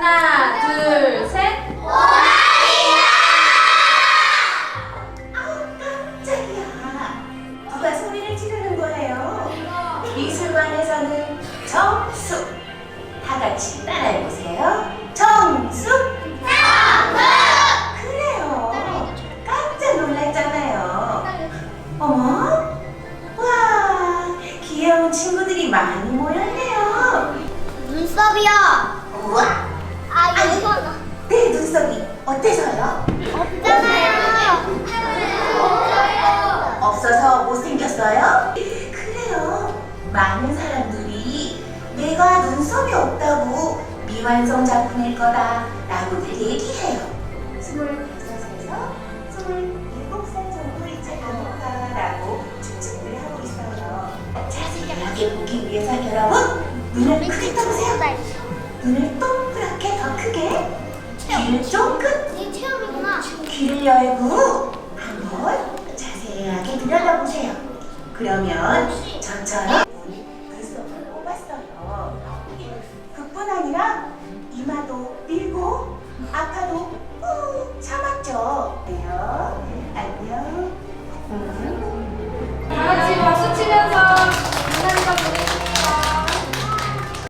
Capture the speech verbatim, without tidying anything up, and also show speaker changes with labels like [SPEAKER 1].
[SPEAKER 1] 하나, 둘, 셋.
[SPEAKER 2] 호랑이다! 아우 깜짝이야. 누가 소리를 지르는 거예요? 미술관에서는 정수. 다 같이 따라해보세요. 정수. 정수. 그래요. 깜짝 놀랐잖아요. 어머? 와, 귀여운 친구들이 많이 모였네요.
[SPEAKER 3] 눈썹이요.
[SPEAKER 2] 우와.
[SPEAKER 3] 아, 이거
[SPEAKER 2] 내 눈썹이 어때서요?
[SPEAKER 3] 없잖아요.
[SPEAKER 2] 없어서 못생겼어요? 그래요. 많은 사람들이 내가 눈썹이 없다고 미완성 작품일 거다 라고들 얘기해요. 스물다섯에서 스물일곱 살 정도 있지 않을까 라고 추측을 하고 있어요. 자세하게 보기 위해서 여러분 눈을 크게 떠보세요. 눈을 동그랗게 더 크게, 귀를 쫑긋,
[SPEAKER 3] 이 체험이구나.
[SPEAKER 2] 귀를 열고 한번 자세하게 들여다보세요. 그러면 저처럼 눈썹을 뽑았어요. 그뿐 아니라 이마도 밀고 아파도